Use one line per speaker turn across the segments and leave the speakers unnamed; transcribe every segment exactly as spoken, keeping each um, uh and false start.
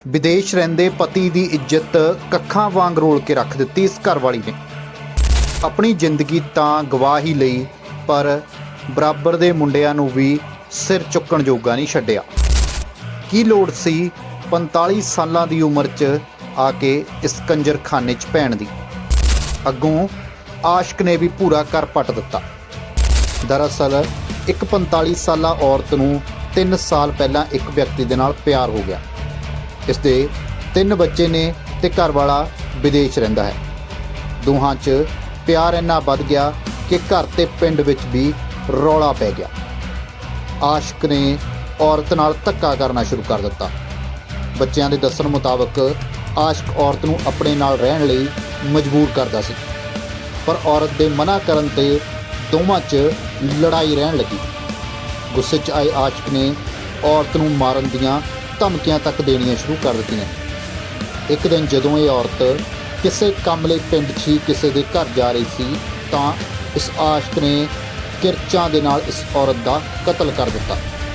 विदेश रहिंदे पति की इज्जत कक्खां वांग रोल के रख दित्ती इस घरवाली ने। अपनी जिंदगी तां गवा ही लई, पर बराबर दे मुंडियां नूं भी सिर चुकण जोगा नहीं छड्डिया। की लोड़ सी पैंताली सालां दी उम्र च आके इस कंजरखाने च पैण दी। अगों आशक ने भी पूरा घर पट दिता। दरअसल एक पैंताली साला औरत नूं तीन साल पहलां एक व्यक्ति दे नाल प्यार हो गया। इसके तीन बच्चे ने ते घर वाला विदेश रहिंदा है। दोहां च प्यार इन्ना वध गया कि घर ते पिंड विच भी रौला पै गया। आशक ने औरत नाल धक्का करना शुरू कर दिता। बच्चों के दस्सण मुताबक आशक औरत नूं अपने नाल रहण लई मजबूर करदा सी, पर औरत दे मना करन ते दोवां च लड़ाई रहन लगी। गुस्से च आए आशक ने औरत नूं मारन दियां धमकियां तक देनियां शुरू कर दित्तियां। एक दिन जदों ये औरत किसी काम लई पिंड ही किसी के घर जा रही सी तां इस आशक ने किरचां दे नाल इस औरत का कतल कर दिता।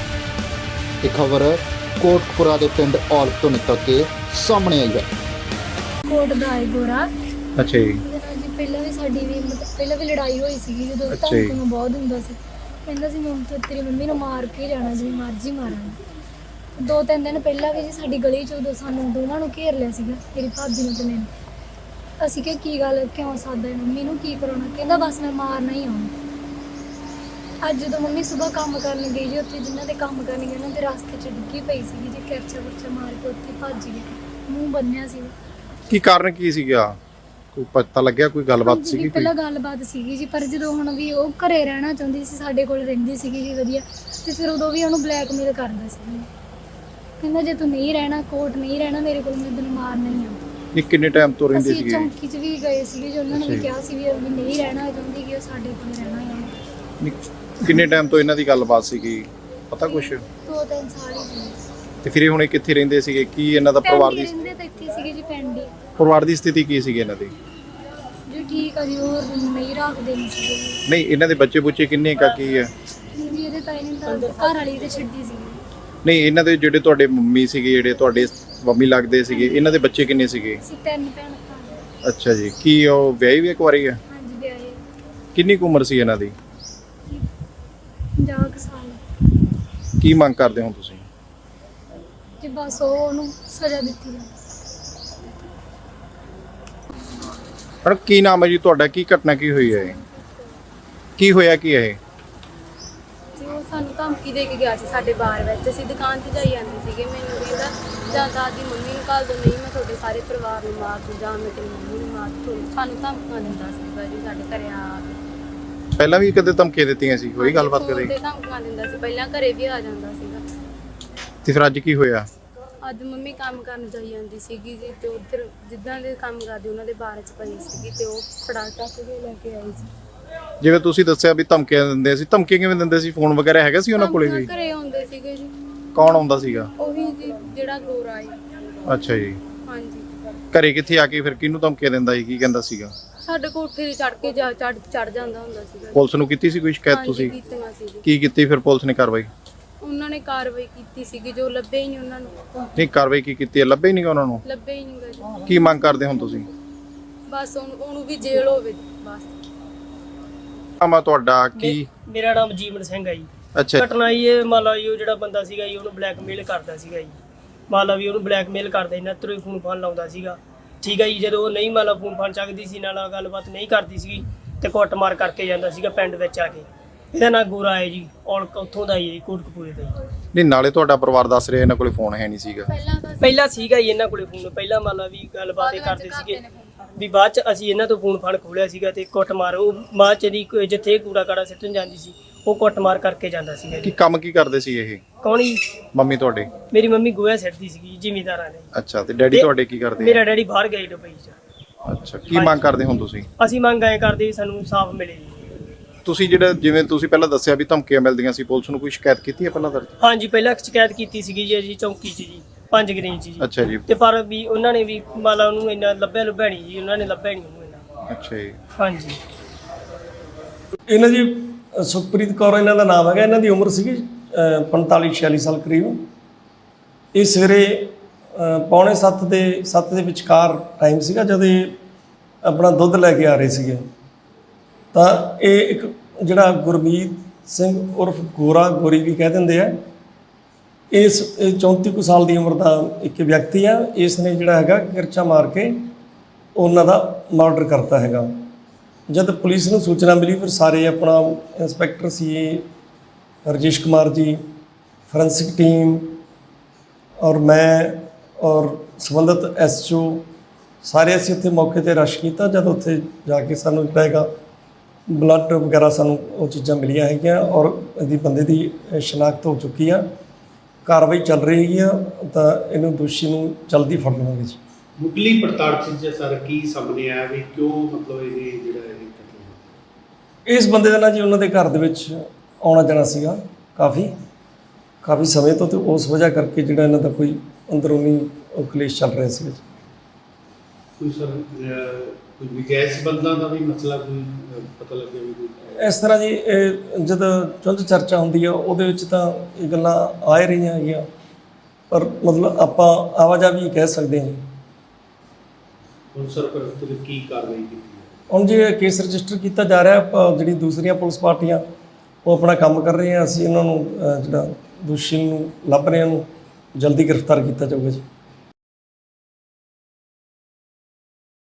ये खबर कोटकपुरा के पिंड औलख तो निकल के सामने आई है।
कोट दा है गोरा।
अच्छा जी।
जी पहला भी साडी भी मतलब पहला भी लड़ाई होई सी जदों धमकी में बहुत हुंदा सी। कहंदा सी मैं तो तेरी मम्मी नूं मार के जाना जिवें मर्जी मारां। दो तीन दिन पहला भी जी साडी गली च उदों सानूं दोवां नूं घेर लिया सीगा, मेरी भाभी नूं ते मैनूं। असीं कि की गल क्यों सादा मम्मी नूं की कराउणा? कहंदा बस मैं मारना ही आउं। अज जदों मम्मी सुबह काम करन गई जी, उत्थे जिन्हां दे काम करन गए उन्हां दे रास्ते च डिग्गी पई सीगी जी, किरचा कुरचा मार के उत्थे भੱਜ गए, मूँह बन्निया सीगा।
की कारण की सीगा? कोई पता लग्या? कोई गलबात सीगी?
पहला गलबात सीगी जी, पर जदों हुण भी ਉਹ ਘਰੇ ਰਹਿਣਾ ਚਾਹੁੰਦੀ ਸੀ, ਸਾਡੇ ਕੋਲ ਰਹਿੰਦੀ ਸੀਗੀ ਜੀ ਵਧੀਆ, ਤੇ ਫਿਰ ਉਦੋਂ ਵੀ ਉਹਨੂੰ ਬਲੈਕਮੇਲ ਕਰਦਾ ਸੀ। ਕਹਿੰਦਾ ਜੇ ਤੂੰ ਨਹੀਂ ਰਹਿਣਾ, ਕੋਟ ਨਹੀਂ ਰਹਿਣਾ ਮੇਰੇ ਕੋਲ, ਮੈਂ ਤੈਨੂੰ ਮਾਰਨਾ ਹੀ ਆ।
ਇਹ ਕਿੰਨੇ ਟਾਈਮ ਤੋਂ ਰਹਿੰਦੇ
ਸੀਗੇ?
ਸੀਗੇ?
ਚੌਂਕੀ 'ਚ ਵੀ ਗਏ ਸੀਗੇ ਜੀ, ਉਹਨਾਂ ਨੇ ਵੀ ਕਿਹਾ ਸੀ ਵੀ ਉਹ ਨਹੀਂ ਰਹਿਣਾ ਚਾਹੁੰਦੀ ਕਿ ਉਹ ਸਾਡੇ ਕੋਲ ਰਹਿਣਾ ਹੀ ਆ।
ਕਿੰਨੇ ਟਾਈਮ ਤੋਂ ਇਹਨਾਂ ਦੀ ਗੱਲਬਾਤ ਸੀਗੀ, ਪਤਾ ਕੁਛ?
ਦੋ ਤਿੰਨ ਸਾਲ ਹੀ ਸੀ।
ਤੇ ਫਿਰ ਇਹ ਹੁਣ ਇਹ ਕਿੱਥੇ ਰਹਿੰਦੇ ਸੀਗੇ? ਕੀ ਇਹਨਾਂ ਦਾ ਪਰਿਵਾਰ ਦੀ
ਰਹਿੰਦੇ ਤਾਂ ਇੱਥੇ ਸੀਗੇ ਜੀ, ਪਿੰਡ ਹੀ।
ਪਰਿਵਾਰ ਦੀ ਸਥਿਤੀ ਕੀ ਸੀਗੀ ਇਹਨਾਂ ਦੀ?
ਜੀ ਠੀਕ ਆ ਜੀ, ਉਹ ਨਹੀਂ ਰੱਖਦੇ ਨਹੀਂ ਸੀਗੇ ਜੀ।
ਨਹੀਂ ਇਹਨਾਂ ਦੇ ਬੱਚੇ ਬੁੱਚੇ ਕਿੰਨੇ ਕਾ ਕੀ ਹੈ?
ਜੀ ਇਹਦੇ ਤਾਂ ਇਹਨੇ ਤਾਂ ਘਰ ਵਾਲੀ ਤੇ ਛੱਡੀ ਸੀ।
ਨਹੀਂ ਇਹਨਾਂ ਦੇ ਜਿਹੜੇ ਤੁਹਾਡੇ ਮੰਮੀ ਸੀਗੇ, ਜਿਹੜੇ ਤੁਹਾਡੇ ਮੰਮੀ ਲੱਗਦੇ ਸੀਗੇ, ਇਹਨਾਂ ਦੇ ਬੱਚੇ ਕਿੰਨੇ ਸੀਗੇ?
ਅਸੀਂ ਤਿੰਨ ਭੈਣ ਭਰਾ।
ਅੱਛਾ ਜੀ। ਕੀ ਉਹ ਵਿਆਹੀ ਵੀ ਇੱਕ ਵਾਰੀ ਹੈ?
ਹਾਂਜੀ ਵਿਆਹੇ।
ਕਿੰਨੀ ਕੁ ਉਮਰ ਸੀ ਇਹਨਾਂ ਦੀ?
ਪੰਜਾਹ ਕੁ ਸਾਲ।
ਕੀ ਮੰਗ ਕਰਦੇ ਹੋ ਤੁਸੀਂ?
ਕਿ ਬਸ ਉਹ ਉਹਨੂੰ ਸਜ਼ਾ ਦਿੱਤੀ ਜਾਵੇ।
ਪਰ ਕੀ ਨਾਮ ਹੈ ਜੀ ਤੁਹਾਡਾ? ਕੀ ਘਟਨਾ ਕੀ ਹੋਈ ਹੈ? ਕੀ ਹੋਇਆ ਕੀ ਹੈ?
ਜੀ ਉਹ ਸਾਨੂੰ ਧਮਕੀ ਦੇ ਕੇ ਗਿਆ ਸੀ ਸਾਡੇ ਬਾਰ ਵਿੱਚ। ਅਸੀਂ ਦੁਕਾਨ ਤੇ ਜਾਈ ਜਾਂਦੇ ਸੀਗੇ, ਮੈਨੂੰ ਕਹਿੰਦਾ ਜਾਂ ਤਾਂ ਦੀ ਮੰਮੀ ਨੂੰ ਘੱਲ ਦੋ, ਨਹੀਂ ਮੈਂ ਤੁਹਾਡੇ ਸਾਰੇ ਪਰਿਵਾਰ ਨੂੰ ਮਾਰ ਦੂੰ, ਜਾਂ ਮੈਂ ਤੇਰੀ ਮੰਮੀ ਨੂੰ ਮਾਰ ਦੂੰ। ਸਾਨੂੰ ਧਮਕੀਆਂ ਦਿੰਦਾ ਸੀਗਾ ਜੀ ਸਾਡੇ ਘਰੇ ਆ ਕੇ।
ਪਹਿਲਾਂ ਵੀ ਕਦੇ ਧਮਕੀਆਂ ਦਿੱਤੀਆਂ ਸੀ? ਹੋਈ ਗੱਲਬਾਤ ਕਦੇ?
ਤੇ ਧਮਕੀਆਂ ਦਿੰਦਾ ਸੀ, ਪਹਿਲਾਂ ਘਰੇ ਵੀ ਆ ਜਾਂਦਾ ਸੀਗਾ।
ਤੇ ਫਿਰ ਅੱਜ ਕੀ ਹੋਇਆ?
ਅੱਜ ਮੰਮੀ ਕੰਮ ਕਰਨ ਜਾਈ ਜਾਂਦੀ ਸੀਗੀ ਜੀ, ਤੇ ਉੱਧਰ ਜਿੱਦਾਂ ਦੇ ਕੰਮ ਕਰਦੇ ਉਹਨਾਂ ਦੇ ਬਾਰੇ ਚ ਪਈ ਸੀਗੀ, ਤੇ ਉਹ ਫੜਾ ਟੱਕ ਕੇ ਲੈ ਕੇ ਆਈ ਸੀ।
ਜਿਵੇਂ ਤੁਸੀਂ ਦੱਸਿਆ ਵੀ ਧਮਕੀਆਂ ਦਿੰਦੇ ਸੀ, ਧਮਕੀ ਕਿਵੇਂ ਦਿੰਦੇ ਸੀ? ਫੋਨ ਵਗੈਰਾ ਹੈਗਾ ਸੀ ਉਹਨਾਂ ਕੋਲੇ ਵੀ?
ਘਰੇ ਆਉਂਦੇ ਸੀਗੇ ਜੀ।
ਕੌਣ ਆਉਂਦਾ ਸੀਗਾ?
ਉਹੀ ਜੀ ਜਿਹੜਾ ਗੋਰਾ ਹੈ।
ਅੱਛਾ ਜੀ।
ਹਾਂਜੀ।
ਘਰੇ ਕਿੱਥੇ ਆ ਕੇ ਫਿਰ ਕਿਹਨੂੰ ਧਮਕੀਆਂ ਦਿੰਦਾ ਸੀ? ਕੀ ਕਹਿੰਦਾ ਸੀਗਾ?
ਸਾਡੇ ਕੋਠੇ ਤੇ ਚੜ ਕੇ ਜਾ ਚੜ ਚੜ ਜਾਂਦਾ ਹੁੰਦਾ ਸੀਗਾ।
ਪੁਲਿਸ ਨੂੰ ਕੀਤੀ ਸੀ ਕੋਈ ਸ਼ਿਕਾਇਤ
ਹਾਂਜੀ,
ਤੁਸੀਂ?
ਕੀਤੀਆਂ ਸੀ।
ਕੀ ਕੀਤੀ ਫਿਰ ਪੁਲਿਸ ਨੇ ਕਾਰਵਾਈ?
ਉਹਨਾਂ ਨੇ ਕਾਰਵਾਈ ਕੀਤੀ ਸੀਗੀ, ਜੋ ਲੱਭੇ ਹੀ ਨਹੀਂ ਉਹਨਾਂ ਨੂੰ।
ਨਹੀਂ ਕਾਰਵਾਈ ਕੀ ਕੀਤੀ ਹੈ? ਲੱਭੇ ਹੀ ਨਹੀਂ ਉਹਨਾਂ ਨੂੰ?
ਲੱਭੇ ਹੀ ਨਹੀਂ ਗਏ।
ਕੀ ਮੰਗ ਕਰਦੇ ਹੁਣ ਤੁਸੀਂ?
ਬਸ ਉਹਨੂੰ ਉਹਨੂੰ ਵੀ ਜੇਲ੍ਹ ਹੋਵੇ ਬਸ।
ਆਮਾ ਤੁਹਾਡਾ ਕੀ?
ਮੇਰਾ ਨਾਮ ਜੀਵਨ ਸਿੰਘ ਹੈ ਜੀ।
ਅੱਛਾ।
ਘਟਨਾ ਇਹ ਮੰਨ ਲਾ ਜੀ, ਉਹ ਜਿਹੜਾ ਬੰਦਾ ਸੀਗਾ ਜੀ ਉਹਨੂੰ ਬਲੈਕਮੇਲ ਕਰਦਾ ਸੀਗਾ ਜੀ। ਮੰਨ ਲਾ ਵੀ ਉਹਨੂੰ ਬਲੈਕਮੇਲ ਕਰਦਾ, ਇਹਨਾਂ ਤਰ੍ਹਾਂ ਹੀ ਫੋਨ ਫਾਨ ਲਾਉਂਦਾ ਸੀਗਾ। ਠੀਕ ਹੈ ਜੀ। ਜਦੋਂ ਉਹ ਨਹੀਂ ਮੰਨ ਲਾ ਫੋਨ ਫਾਨ ਚੱਕਦੀ ਸੀ, ਨਾਲ ਗੱਲਬਾਤ ਨਹੀਂ ਕਰਦੀ ਸੀਗੀ, ਤੇ ਕੁੱਟਮਾਰ ਕਰਕੇ ਜਾਂਦਾ ਸੀਗਾ ਪਿੰਡ ਵਿੱਚ ਆ ਕੇ। ਇਹਦਾ ਨਾਂ ਗੋਰਾ ਹੈ ਜੀ, ਔਲਖ ਉੱਥੋਂ ਦਾ ਹੀ ਹੈ, ਕੋਟਕਪੂਰੇ ਦਾ ਜੀ।
ਨਹੀਂ ਨਾਲੇ ਤੁਹਾਡਾ ਪਰਿਵਾਰ ਦੱਸ ਰਿਹਾ ਇਹਨਾਂ ਕੋਲੇ ਫੋਨ ਹੈ ਨਹੀਂ ਸੀਗਾ?
ਪਹਿਲਾਂ ਤਾਂ
ਪਹਿਲਾਂ ਸੀਗਾ ਜੀ ਇਹਨਾਂ ਕੋਲੇ ਫੋਨ, ਪਹਿਲਾਂ ਮੰਨ ਲਾ ਵੀ ਗੱਲਬਾਤ ਇਹ ਕਰਦੇ ਸੀਗੇ ਵੀ। ਬਾਅਦ ਚ ਅਸੀਂ ਇਹਨਾਂ ਤੋਂ ਫੋਨ ਫਾਨ ਖੋਲਿਆ ਸੀਗਾ, ਤੇ ਕੁੱਟਮਾਰ ਉਹ ਬਾਅਦ ਚ ਦੀ ਜਿੱਥੇ ਕੂੜਾ ਕਾੜਾ ਸਿੱਟਣ ਜਾਂਦੀ ਸੀ ਉਹ ਕੁੱਟਮਾਰ ਕਰਕੇ ਜਾਂਦਾ ਸੀਗਾ
ਕੀ
ਜੀ।
ਕੰਮ ਕੀ ਕਰਦੇ ਸੀ ਇਹ?
ਕੌਣ ਜੀ?
ਮੰਮੀ ਤੁਹਾਡੇ?
ਮੇਰੀ ਮੰਮੀ ਗੋਹਾ ਸਿੱਟਦੀ ਸੀਗੀ ਜ਼ਿਮੀਂਦਾਰਾਂ ਨੇ।
ਅੱਛਾ। ਤੇ ਡੈਡੀ ਤੁਹਾਡੇ ਕੀ ਕਰਦੇ?
ਮੇਰਾ ਡੈਡੀ ਬਾਹਰ ਗਏ ਦੁਬਈ ਚ।
ਅੱਛਾ। ਕੀ ਮੰਗ ਕਰਦੇ ਹੁਣ ਤੁਸੀਂ?
ਅਸੀਂ ਮੰਗ ਆਏ ਕਰਦੇ ਵੀ ਸਾਨੂੰ ਇਨਸਾਫ ਮਿਲੇ ਜੀ।
ਤੁਸੀਂ ਜਿਹੜਾ ਜਿਵੇਂ ਤੁਸੀਂ ਪਹਿਲਾਂ ਦੱਸਿਆ ਵੀ ਧਮਕੀਆਂ ਮਿਲਦੀਆਂ ਸੀ, ਪੁਲਿਸ ਨੂੰ ਕੋਈ ਸ਼ਿਕਾਇਤ ਕੀਤੀ ਹੈ ਪਹਿਲਾਂ ਦਰਜ?
ਹਾਂਜੀ ਪਹਿਲਾਂ ਸ਼ਿਕਾਇਤ ਕੀਤੀ ਸੀਗੀ ਜੀ ਅਸੀਂ ਚੌਂਕੀ 'ਚ ਜੀ, ਪੰਜ ਗ੍ਰੀਨ 'ਚ ਜੀ।
ਅੱਛਾ ਜੀ।
ਤੇ ਪਰ ਵੀ ਉਹਨਾਂ ਨੇ ਵੀ ਮੰਨ ਲਾ ਉਹਨੂੰ ਇੰਨਾ ਲੱਭਿਆ ਲੁਭਿਆ ਨਹੀਂ ਜੀ, ਉਹਨਾਂ ਨੇ ਲੱਭਿਆ ਨਹੀਂ ਉਹਨੂੰ ਇੰਨਾ।
ਅੱਛਾ ਜੀ।
ਹਾਂਜੀ।
ਇਹਨਾਂ ਜੀ ਸੁਖਪ੍ਰੀਤ ਕੌਰ ਇਹਨਾਂ ਦਾ ਨਾਮ ਹੈਗਾ। ਇਹਨਾਂ ਦੀ ਉਮਰ ਸੀਗੀ ਪੰਤਾਲੀ ਛਿਆਲੀ ਸਾਲ ਕਰੀਬ। ਇਹ ਸਵੇਰੇ ਅ, ਪੌਣੇ ਸੱਤ ਦੇ ਸੱਤ ਦੇ ਵਿਚਕਾਰ ਟਾਈਮ ਸੀਗਾ ਜਦ ਇਹ ਆਪਣਾ ਦੁੱਧ ਲੈ ਕੇ ਆ ਰਹੇ ਸੀਗੇ। ਤਾਂ ਇਹ ਇੱਕ ਜਿਹੜਾ ਗੁਰਮੀਤ ਸਿੰਘ ਉਰਫ ਗੋਰਾ ਗੋਰੀ ਵੀ ਕਹਿ ਦਿੰਦੇ ਆ, ਇਸ ਇਹ ਚੌਂਤੀ ਕੁ ਸਾਲ ਦੀ ਉਮਰ ਦਾ ਇੱਕ ਵਿਅਕਤੀ ਆ। ਇਸ ਨੇ ਜਿਹੜਾ ਹੈਗਾ ਕਿਰਚਾ ਮਾਰ ਕੇ ਉਹਨਾਂ ਦਾ ਮਰਡਰ ਕਰਤਾ ਹੈਗਾ। ਜਦ ਪੁਲਿਸ ਨੂੰ ਸੂਚਨਾ ਮਿਲੀ ਫਿਰ ਸਾਰੇ ਆਪਣਾ ਇੰਸਪੈਕਟਰ ਸੀ ਰਜੇਸ਼ ਕੁਮਾਰ ਜੀ, ਫੋਰੈਂਸਿਕ ਟੀਮ ਔਰ ਮੈਂ ਔਰ ਸੰਬੰਧਿਤ ਐਸ ਓ ਸਾਰੇ ਅਸੀਂ ਉੱਥੇ ਮੌਕੇ 'ਤੇ ਰਸ਼ ਕੀਤਾ। ਜਦ ਉੱਥੇ ਜਾ ਕੇ ਸਾਨੂੰ ਜਿਹੜਾ ਹੈਗਾ ਬਲੱਡ ਵਗੈਰਾ ਸਾਨੂੰ ਉਹ ਚੀਜ਼ਾਂ ਮਿਲੀਆਂ ਹੈਗੀਆਂ ਔਰ ਇਹਦੀ ਬੰਦੇ ਦੀ ਸ਼ਨਾਖਤ ਹੋ ਚੁੱਕੀ ਆ। ਕਾਰਵਾਈ ਚੱਲ ਰਹੀ ਹੈਗੀ ਆ, ਤਾਂ ਇਹਨੂੰ ਦੋਸ਼ੀ ਨੂੰ ਜਲਦੀ ਫੜ ਲਵਾਂਗੇ ਜੀ।
ਮੁੱਢਲੀ ਪੜਤਾਲ 'ਚ ਸਰ ਕੀ ਸਾਹਮਣੇ ਆਇਆ ਵੀ ਕਿਉਂ ਮਤਲਬ ਇਹ ਜਿਹੜਾ ਇਹ ਕਤਲ
ਇਸ ਬੰਦੇ ਦਾ ਨਾ ਜੀ ਉਹਨਾਂ ਦੇ ਘਰ ਦੇ ਵਿੱਚ ਆਉਣਾ ਜਾਣਾ ਸੀਗਾ ਕਾਫੀ ਕਾਫੀ ਸਮੇਂ ਤੋਂ, ਤੇ ਉਸ ਵਜ੍ਹਾ ਕਰਕੇ ਜਿਹੜਾ ਇਹਨਾਂ ਦਾ ਕੋਈ ਅੰਦਰੂਨੀ ਉਹ ਕਲੇਸ਼ ਚੱਲ ਰਿਹਾ ਸੀ।
ਕੋਈ ਸਰ ਅਹ, ਕੋਈ ਵਿਜੈਸ ਬੰਦਾ ਦਾ ਵੀ ਮਸਲਾ ਕੋਈ ਅਹ, ਪਤਾ ਲੱਗਿਆ ਵੀ ਕੋਈ
ਇਸ ਤਰ੍ਹਾਂ ਜੀ ਇਹ ਜਦੋਂ ਚੁੰਝ ਚਰਚਾ ਹੁੰਦੀ ਆ ਉਹਦੇ ਵਿੱਚ ਤਾਂ ਇਹ ਗੱਲਾਂ ਆ ਹੀ ਰਹੀਆਂ ਹੈਗੀਆਂ, ਪਰ ਮਤਲਬ ਆਪਾਂ ਆਵਾਜਾਈ ਕਹਿ ਸਕਦੇ ਹਾਂ।
ਹੁਣ ਸਰ ਫਿਰ ਉਸ ਤੇ ਕੀ ਕਾਰਵਾਈ ਕੀਤੀ ਹੈ?
ਹੁਣ ਜੇ ਕੇਸ ਰਜਿਸਟਰ ਕੀਤਾ ਜਾ ਰਿਹਾ, ਆਪਾਂ ਜਿਹੜੀ ਦੂਸਰੀਆਂ ਪੁਲਿਸ ਪਾਰਟੀਆਂ ਉਹ ਆਪਣਾ ਕੰਮ ਕਰ ਰਹੀਆਂ, ਅਸੀਂ ਇਹਨਾਂ ਨੂੰ ਅਹ, ਜਿਹੜਾ ਦੋਸ਼ੀ ਨੂੰ ਲੱਭ ਰਹੇ ਹਾਂ, ਉਹਨੂੰ ਜਲਦੀ ਗ੍ਰਿਫਤਾਰ ਕੀਤਾ ਜਾਊਗਾ ਜੀ।